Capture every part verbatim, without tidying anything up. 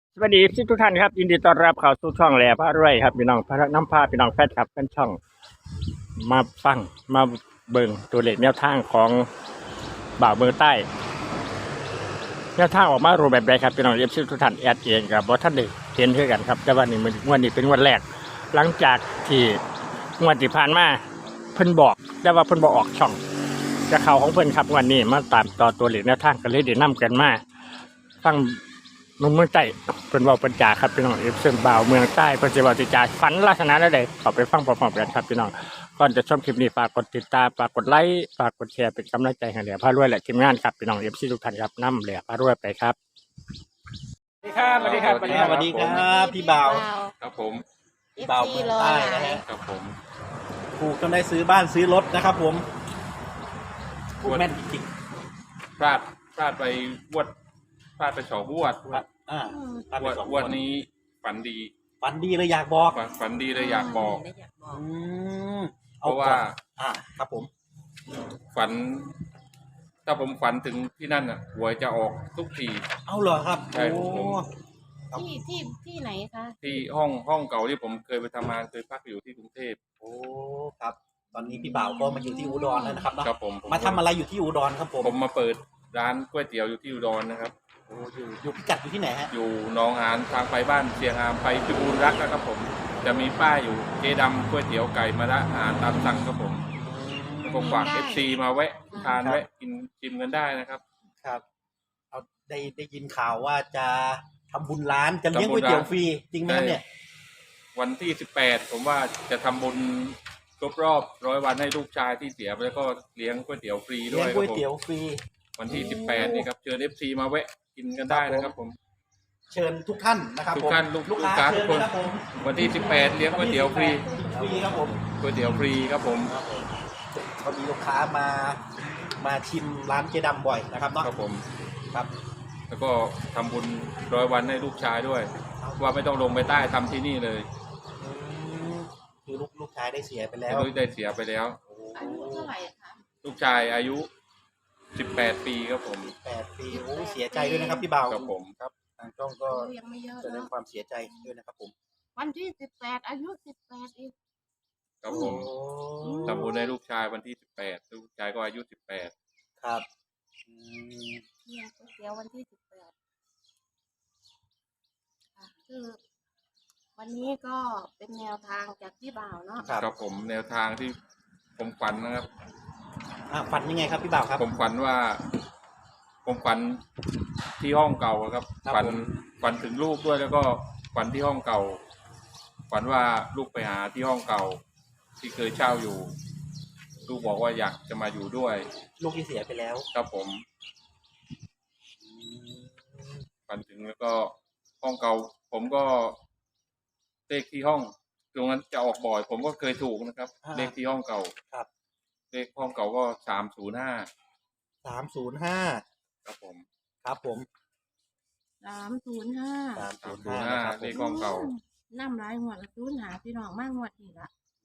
สวัสดีทุกท่านครับยินดีต้อนรับเข้าสู่ช่องแหล่พระรวยครับพี่น้องพระน้ำพาพี่น้องแฟนครับเป็นช่องมาฟังมาเบิ่งตัวเลขแนวทางของบ่าวเมืองใต้แนวทางออกมารูปแบบใดครับพี่น้องเอฟซีทุกท่านแอดเองครับเพราะท่านได้เห็นด้วยกันครับแต่ว่านี่มันงวดนี้เป็นงวดแรกหลังจากที่งวดที่ผ่านมาเพิ่นบอกแต่ว่าเพิ่นบอกออกช่องจะข่าวของเพิ่นครับงวันนี้มาตามต่อตัวเลขแนวทางกันเลยเดี๋ยวนํกันมาฟัง นมเมืองใต้เป็นเบาเป็นจ่าครับพี่น้องเอฟซีบ่าวเมืองใต้เป็นจะเบาติจ่าฝันลักษณะใดๆขอไปฟังพร้อมๆกันครับพี่น้องก่อนจะชมคลิปนี้ฝากกดติดตามฝากกดไลค์ฝากกดแชร์เป็นกำลังใจให้เหลือพารวยและทีมงานครับพี่น้องเอฟซีทุกท่านครับนำเหลือพารวยไปครับสวัสดีครับสวัสดีครับสวัสดีครับพี่บ่าวครับผมพี่บ่าวเมืองใต้นะฮะครับผมถูกจนได้ซื้อบ้านซื้อรถนะครับผมพูดแม่นจริงพลาดพลาดไปวดพลาดไปสองวดๆอ่ะอ่าพลาดวไปดสองวดคนนี้ฝันดีฝันดีเลยอยากบอกฝันฝันดีเลยอยากบอกอืมเพราะว่าก่อนอ่าครับผมฝัน ถ้าผมฝันถึงที่นั่นอ่ะหวยจะออกทุกทีเอาเหรอครับใช่โอ้ครับผมที่ที่ที่ไหนคะที่ห้องห้องเก่าที่ผมเคยไปทำงานเคยพักอยู่ที่กรุงเทพโอ้ครับ ตอนนี้พี่บ่าวก็มาอยู่ที่อุดรแล้วนะครับเนาะครับผมมาทำอะไรอยู่ที่อุดรครับผมผมมาเปิดร้านก๋วยเตี๋ยวอยู่ที่อุดรนะครับโอ้อยู่อยู่พิกัดอยู่ที่ไหนฮะอยู่หนองหานทางไปบ้านเชียงอามไปพิบูลรักนะครับผม จะมีป้ายอยู่เจดำก๋วยเตี๋ยวไก่มะระอาหารตามสั่งครับผม ผมฝากเอฟซีมาแวะทานแวะกินชิมกันได้นะครับครับเอาได้ได้ยินข่าวว่าจะทำบุญร้านจะเลี้ยงก๋วยเตี๋ยวฟรีจริงไหมครับเนี่ยวันที่สิบแปดผมว่าจะทำบุญครบรอบร้อยวันให้ลูกชายที่เสียไปแล้วก็เลี้ยงก๋วยเตี๋ยวฟรีด้เลี้วย ยงคก๋รัวยบผมเตี๋ยวฟรีวันที่สิบแปดนี่ครับเชิญเอฟซีมาแวะกินกันได้นะครับผมเชิญทุกท่านนะครับทุกผมท่านลูกลูกลูกค้าค้าเชิทุญกคนนะครับผมวันที่สิบแปดเลี้ยงก๋วยเตี๋ยวฟรีฟรีครับผมก๋วยเตี๋ยวฟรีครับผมครับผมก็มีลูกค้ามามาชิมร้านเจดำบ่อยนะครับเนาะครับผมครับแล้วก็ทำบุญร้อยวันให้ลูกชายด้วย ว่าไม่ต้องลงไปใต้ทำที่นี่เลยอืมคือลูกลูกชายได้เสียไปแล้วลูกได้เสียไปแล้วอายุเท่าไหร่คะลูกชายอายุสิบแปดปีครับผมแปดปีโอ้เสียใจด้วยนะครับพี่บ่าวครับผมครับทางช่องก็อายุยังไม่เยอะแสดงเนาะความเสียใจด้วยนะครับผมวันที่สิบแปดอายุสิบแปดอีกครับผมโอ้ทำบุญให้ลูกชายวันที่สิบแปดลูกชายก็อายุสิบแปดครับอืมเที่ยงก๋วยเตี๋ยววันที่สิบแปดค่ะคือ วันนี้ก็เป็นแนวทางจากพี่บ่าวเนาะครับครับผมแนวทางที่ผมฝันนะครับอ่ะฝันยังไงครับพี่บ่าวครับผมฝันว่า ผมฝันที่ห้องเก่าอะครับครับฝันผมฝันถึงลูกด้วยแล้วก็ฝันที่ห้องเก่า ฝันว่าลูกไปหาที่ห้องเก่า ที่เคยเช่าอยู่ ลูกบอกว่าอยากจะมาอยู่ด้วยลูกที่เสียไปแล้วครับผมอืมฝันถึงแล้วก็ห้องเก่า ผมก็เลขที่ห้องตรงนั้นจะออกบ่อย ผมก็เคยถูกนะครับ เลขที่ห้องเก่าครับเลขห้องเก่าก็สามศูนย์ห้าสามศูนย์ห้าครับผมครับผมสามศูนย์ห้าสามสาศูมนย์ศูนห้าย์ห้านะครับเลขห้องเก่าน้ำลายหัวละศูนย์หาพี่น้องมากหัวดอีกละ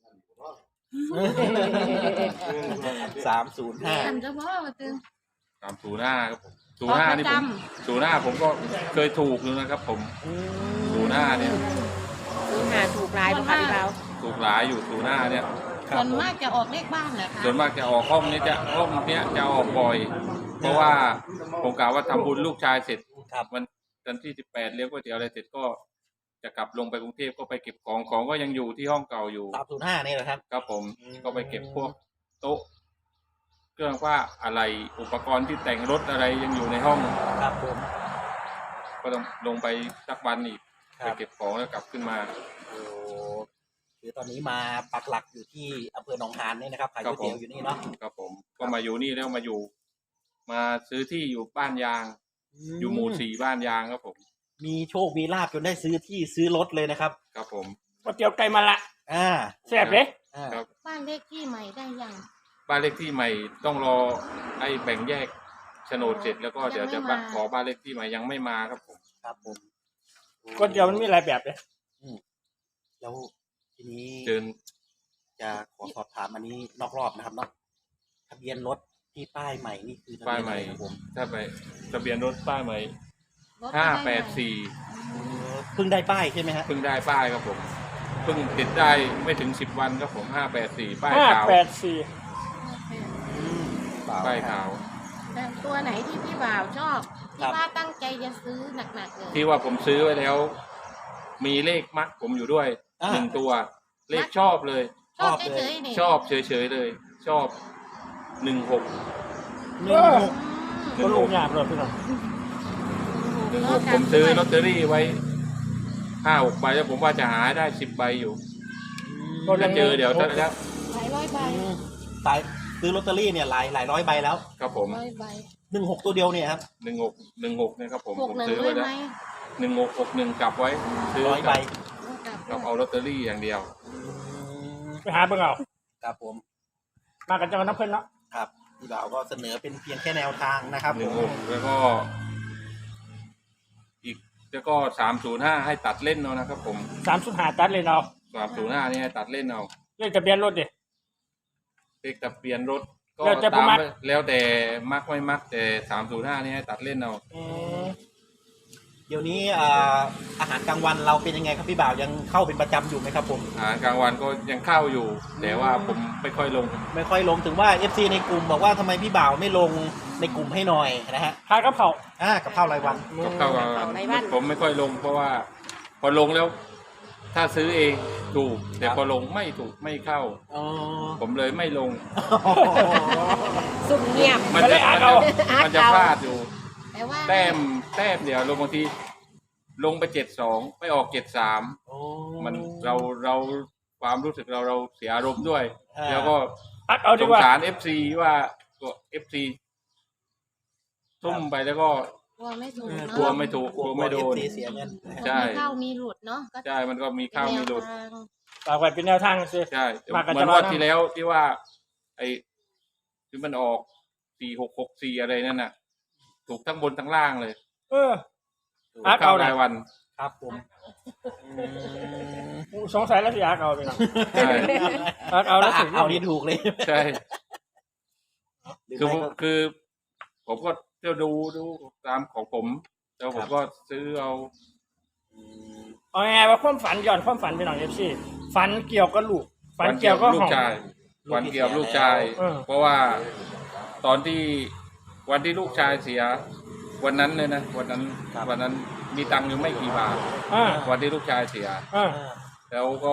สามศูนย์ห้าอันจะพ่อตึงสามศูนย์ห้าครับผมศูนย์ห้านี่ผมศูนย์ห้าผมก็เคยถูกอยู่นะครับ ผมศูนย์ห้าเนี่ยศูนย์หาถูกลายค่ะพี่บ่าวถูกหลายอยู่ศูนย์ห้าเนี่ยส่วนมากจะออกเลขบ้านเหรอคะส่วนมากจะออกห้องนี้จะห้องเนี้ยจะออกบ่อย เพราะว่าผมกล่าวว่าทำบุญลูกชายเสร็จครับวันวันที่สิบแปดเลี้ยงก๋วยเตี๋ยวอะไรเสร็จก็จะกลับลงไปกรุงเทพก็ไปเก็บของของก็ยังอยู่ที่ห้องเก่าอยู่สามศูนย์ห้านี่แหละครับครับผมอืมก็ไปเก็บพวกโต๊ะ เครื่องว่าอะไรอุปกรณ์ที่แต่งรถอะไรยังอยู่ในห้องครับผมก็ต้องลงไปสักวันอีกคไปรับเก็บของแล้วกลับขึ้นมาโอ้คือตอนนี้มาปักหลักอยู่ที่อำเภอหนองหานนี่นะครับขายครัก๋วบยผมเตี๋ยวอยู่นี่เนาะครับผม ก็มาอยู่นี่แล้วมาอยู่ มาซื้อที่อยู่บ้านยาง อยู่หมู่สี่บ้านยางครับผมมีโชคมีลาบจนได้ซื้อที่ซื้อรถเลยนะครับครับผมก๋วยเตี๋ยวไก่มาละอ่าแซ่บเลยอ่าครับบ้านเลขที่ใหม่ได้ยังบ้านเลขที่ใหม่ต้องรอไอ้แบ่งแยกโฉนดเสร็จแล้วก็เดี๋ยวจะขอบ้านเลขที่ใหม่ยังไม่มาครับผมครับผมก๋วยเตี๋ยวมันมีหลายแบบเลยแล้วทีนี้เชิญจะขอสอบถามอันนี้นอกรอบนะครับเนาะทะเบียนรถที่ป้ายใหม่นี่คือทะป้ายเบียนใหอะม่ไรครับผมถ้าไปทะเบียนรถป้ายใหม่รถห้าจะแปไใหดม่สี่เพิ่งได้ป้ายใช่ไหมฮะเพิ่งได้ป้ายครับผมเพิ่งติดได้ไม่ถึงสิบวันครับผมห้าแปดสี่ป้ายห้าขาวแปดสี่อืมเปล่าป้ายขาวแต่ตัวไหนที่พี่บ่าวชอบครัที่บว่าตั้งใจจะซื้อหนักๆเลยที่ว่าผมซื้อไว้แล้ว มีเลขมักผมอยู่ด้วยอ่าหนึ่งตัว เลขชอบเลยชอบชอบเลยเฉยๆนี่ชอบเฉยๆเลย ชอบหนึ่งหกหนึ่งหกก็ลูกยากเลยพี่น้องหนึ่งหกผมซื้อลอตเตอรี่ไว้ห้าหกใบแล้วผมว่าจะหาได้สิบใบอยู่ถ้าเจอเดี๋ยวถ้าถ้าหลายร้อยใบอืมสายซื้อลอตเตอรี่เนี่ยหลายหลายร้อยใบแล้วครับผมร้อยใบหนึ่งหกตัวเดียวเนี่ยครับหนึ่งหกหนึ่งหกเนี่ยครับผมหกผมหนึ่งซื้อด้วไว้ยแล้วไหมหนึ่งหกหกหนึ่งกลับไว้ซื้อร้อยใบกลับกับด้เอาวยลอตเตอรี่อย่างเดียวอืมไปหาเบิ่งเอาครับผมมากันจังหวัดน้ำเพิ่นเนาะครับพี่บ่าวก็เสนอเป็นเพียงแค่แนวทางนะครับหนึ่งผหมกแล้วก็ อีกแล้วก็สามศูนย์ห้าให้ตัดเล่นเอานะครับผมสามสุดหาตัดเลยเนาะสามศูนย์ห้านี่ให้ตัดเล่นเอาเลขทะเบียนรถดิเลขทะเบียนรถก็แล้วแต่ผู้ตามมักแล้วแต่มักไม่มักแต่สามศูนย์ห้านี่ให้ตัดเล่นเอาอืมเดี๋ยวนี้อ่าอาหารกลางวันเราเป็นยังไงครับพี่บ่าวยังเข้าเป็นประจำอยู่ไหมครับผมอาหารกลางวันก็ยังเข้าอยู่ แต่ว่าผมไม่ค่อยลงไม่ค่อยลงถึงว่า เอฟ ซี ในกลุ่มบอกว่าทำไมพี่บ่าวไม่ลงในกลุ่มให้หน่อยนะฮะขายกระเพราอ่ากับข้าวรายวันก็เข้ามาผมไม่ค่อยลง เพราะว่า พอลงแล้ว ถ้าซื้อเองถูก แต่พอลงไม่ถูกไม่เข้าอ๋อผมเลยไม่ลงสุ่มเงียบมันจะมันจะมันจะพลาดอยู่แต่ว่าแต้มแต้มเดียวลงบางทีลงไปเจ็ดสองไปออกเจ็ดสามโอ้มันเราเราความรู้สึกเราเราเสียอารมณ์ด้วยอ่าแล้วก็อัดเอาสดีงกว่าสารเอฟซีว่าตัวเอฟซีทุ่มไปแล้วก็กลัวไม่ถูกเออเนาะกลัวไม่ถูกกลัวไม่โดนเอฟ ซี เสียเงินนะฮะใช่มีเข้ามีหลุดเนาะก็ใช่มันก็มีข้าวมีหลุดเป็นแนวทางฝากไว้เป็นแนวทางซิใช่มากันเหมือนจะว่าว่าที่แล้วที่ว่า ไอ้ที่มันออกสี่หกหกสี่อะไรนั่นน่ะ ถูกทั้งบนทั้งล่างเลยเออถูกอักเข้าเอาน่ะรายวันครับผมอืมสงสัยแล้วสิอักเอาไปเนาะใช่อักเอาแล้วถึงเอานี่ถูกเลยใช่หรือคือไม่ก็คือ ผมก็จะดูดูตามของผม แล้วผมก็ซื้อเอาอืมเอาไงว่าความฝันย้อนความฝันไปหน่อยเอฟซีฝันเกี่ยวกับลูกฝันเกี่ยวกับลูห้กองชายวันเกี่ยวกับลูกชายเออเพราะว่าตอนที่วันที่ลูกชายเสีย วันนั้นเลยนะวันนั้นวันนั้นมีตังค์อยู่ไม่กี่บาทอ่าวันที่ลูกชายเสียอ่าอ่าแล้วก็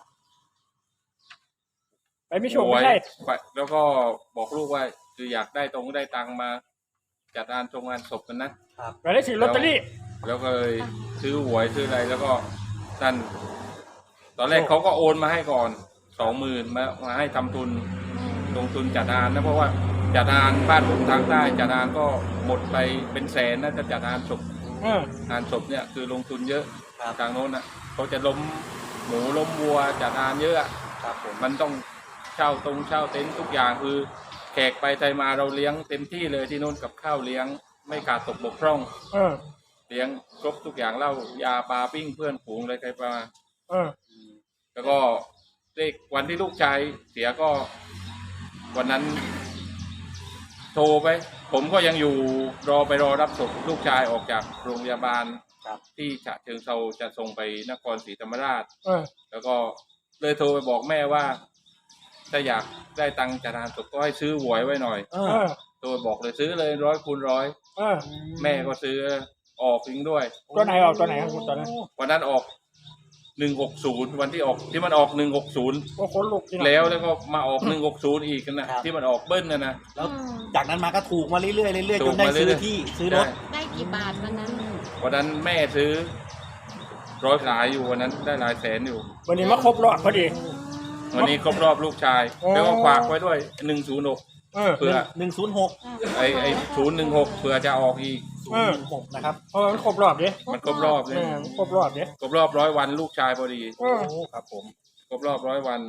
ไปไม่โชคโวยไม่ใช่ไปแล้วก็บอกลูกว่าคืออยากได้ตรงได้ตังค์มา จัดงานตรงงานศพกันนะไปได้ถือลอตเตอรี่แล้วก็เลยซื้อหวยซื้ออะไรแล้วก็ท่านตอนแรกเขาก็โอนมาให้ก่อนสองหมื่นมามาให้ทำทุนลงทุนจัดงานนะเพราะว่าจัดงานบ้านผมทางใต้จัดงานก็หมดไปเป็นแสนนะจะจัดงานศพเอองานศพเนี่ยคือลงทุนเยอะครับทางโน้นอ่ะเขาจะล้มหมูล้มวัวจัดงานเยอะอะครับผมมันต้องเช่าตรงเช่าเต็นท์ทุกอย่างคือแขกไปไทยมาเราเลี้ยงเต็มที่เลยที่โน้นกับข้าวเลี้ยงไม่ขาดตกบกพร่องเออเลี้ยงครบทุกอย่างเหล้ายาปลาปิ้งเพื่อนฝูงอะไรใครมาเออแล้วก็เลขวันที่ลูกชายเสียก็วันนั้น โทรไป ผมก็ยังอยู่รอไปรอรับศพลูกชายออกจากโรงพยาบาลครับที่ฉะเชิงเทราจะส่งไปนครศรีธรรมราชเออแล้วก็เลยโทรไปบอกแม่ว่า ถ้าอยากได้ตังค์จากงานศพก็ให้ซื้อหวยไว้หน่อยเอเอออโทรไปบอกเลยซื้อเลยร้อยคูณร้อยเออแม่ก็ซื้อออกทิ้งด้วยตัวไหนออกตัวไหนครับคุณตอนนั้นวันนั้นออกหนึ่งหกศูนย์วันที่ออกที่มันออกหนึ่งหกศูนย์โอ้คนลุกจริงแล้วแล้วก็มาออกหนึ่งหกศูนย์อีกนะครับ ที่มันออกเบิ้ลนะนะแล้วอืมจากนั้นมาก็ถูกมาเรื่อยๆเรื่อยๆถูจกนได้มาเรื่ซื้ออยๆที่ซื้อรถใช่ได้กี่บาทวันนั้นวันนั้นแม่ซื้อร้อยหลายอยู่วันนั้นได้หลายแสนอยู่วันนี้มาครบรอบพอดีวันนี้ครบรอบลูกชายโอ้แล้วก็ฝากไว้ด้วยหนึ่งศูนย์หกเออเพื่อหนึ่งศูนย์หกไอไอศูนย์หนึ่งหกเผื่อจะออกอีกศูนย์หนึ่งหกนะครับเพราะมันครบรอบดิมันครบรอบเลเอย อมันครบรอบดิครบรอบร้อยวันลูกชายพอดีเออโอ้ครับผมครบรอบร้อยวัน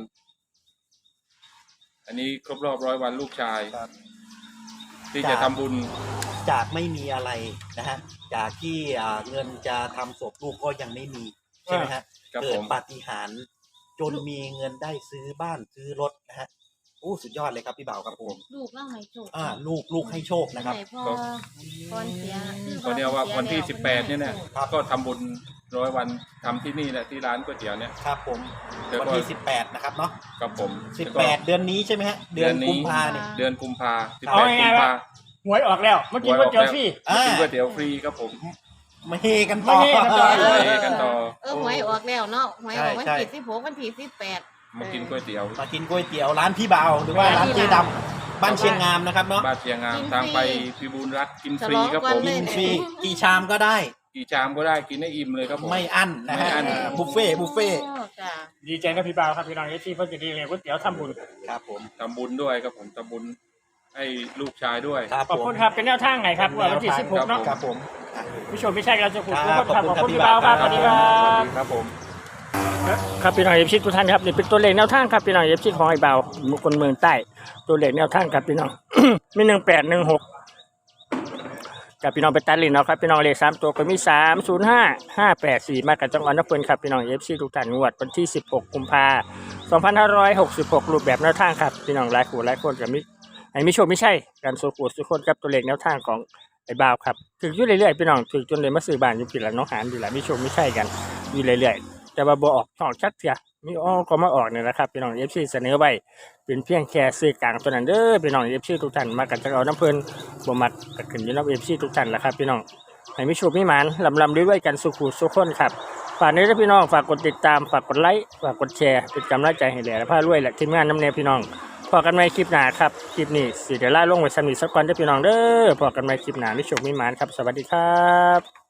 อันนี้ครบรอบร้อยวันลูกชายครับที่จะทำบุญจากไม่มีอะไรนะฮะจากที่อ่าเงินจะทำศพลูกก็ยังไม่มีใช่ไหมฮะครับเกิผดมปาฏิหาริย์จนมีเงินได้ซื้อบ้านซื้อรถนะฮะโอ้สุดยอดเลยครับพี่บ่าวครับผมลูกเล่าให้โชคอ่าลูกลูกให้โชคนะครับไหนพอพรเสียคือก็เดียวว่าวันที่สิบแปดเนี่ยเนี่ยครับก็ทำบุญร้อยวันทำที่นี่แหละที่ร้านก๋วยเตี๋ยวเนี่ยครับผมแล้วก็วันที่สิบแปดนะครับเนาะกับผมสิบแปดเดือนนี้ใช่ไหมฮะเดือนกุมภาเนี่ยเดือนกุมภาสิบเอาแปดไงกุมภาหวยออกแล้วเมื่อกี้ก๋วยเตี๋ยวฟรีอ่ากินก๋วยเตี๋ยวฟรีครับผมมาเฮกันต่อมาเฮกันต่อไปกันต่อเออหวยออกแล้วเนาะหวยออกวันใช่ที่ใช่สิบหกวันที่สิบแปดมากินก๋วยเตี๋ยวมากินก๋วยเตี๋ยวร้านพี่บ่าวหรือว่าร้านเจ๊ดำบ้านเชียงงามนะครับเนาะบ้านเชียงงามทางไปพิบูลรักกินฟรีครับผมกินฟรีกี่ชามก็ได้กี่ชามก็ได้กินให้อิ่มเลยครับผมไม่อั้นนะไม่ฮะอั้นบุฟเฟ่ต์บุฟเฟ่ต์โอ้จ้ะดีใจนะพี่บ่าวครับพี่น้องที่เพิ่นจะดีเลยก๋วยเตี๋ยวทำบุญครับผมทำบุญด้วยครับผมทำบุญให้ลูกชายด้วยครับขอบผมคุณครับเป็นแนวทางไหนครับว่าวันที่สิบหกเนาะครับผมอ่ะผู้ชมไม่ใช่กันจะขอบคุณครับครับขอบขอบคุณคุณพี่บ่าวครับสครัวับสดีครับครับผมครับพี่น้องเอฟซีทุกท่านครับนี่เป็นตัวเลขแนวทางครับพี่น้องเอฟซีของไอ้บ่าวคนเมืองใต้ตัวเลขแนวทางครับพี่น้อง มีหนึ่งแปดหนึ่งหกกับพี่น้องไปตัดลินเอาครับพี่น้องเลขสามตัวก็มีสามศูนย์ห้าห้าแปดสี่มากับจังหวัดนครครับพี่น้องเอฟซีทุกท่านงวดวันที่สิบหกกุมภาสองพันห้าร้อยหกสิบหกรูปแบบแนวทางครับพี่น้องหลายคู่หลายคนกับมิไอ้มิโชคไม่ใช่การโซคูสุกคนครับตัวเลขแนวทางของไอ้บ่าวครับถึงอยู่เรื่อยๆพี่น้องถึงจนเลยมาซื้อบ้านอยู่ผิดละน้องหานดีละมิโชคไม่ใช่กันอยู่เรื่อยๆแต่ว่าบ่ออกช่องชัดเสียมีอ้อก็มาออกเนี่ยนะครับพี่น้องเอฟซีเสนอไว้เป็นเพียงแค่ซื้อกลางตัวนั้นเด้อพี่น้องเอฟซีทุกท่านมากันจะเอาน้ำเพลินบ่มักกัขึ้นอยู่น้ำเอฟซีทุกท่านแหละครับพี่น้องให้มิโชคมิหมานลำลำด้วยๆกันสุขุสุขคนครับฝากนี้ด้วยพี่น้องฝากกดติดตามฝากกดไลค์ฝากกดแชร์เป็นกำลังใจให้แหล่และพารวยและทีมงานน้ำเนยพี่น้องพอกันใหม่คลิปหน้าครับคลิปนี้สิเดี๋ยวล่าลงไว้สำหรับสักวันเด้อพี่น้องเด้อพอกันใหม่คลิปหน้ามิโชคมิหมานครับสวัสดีครับ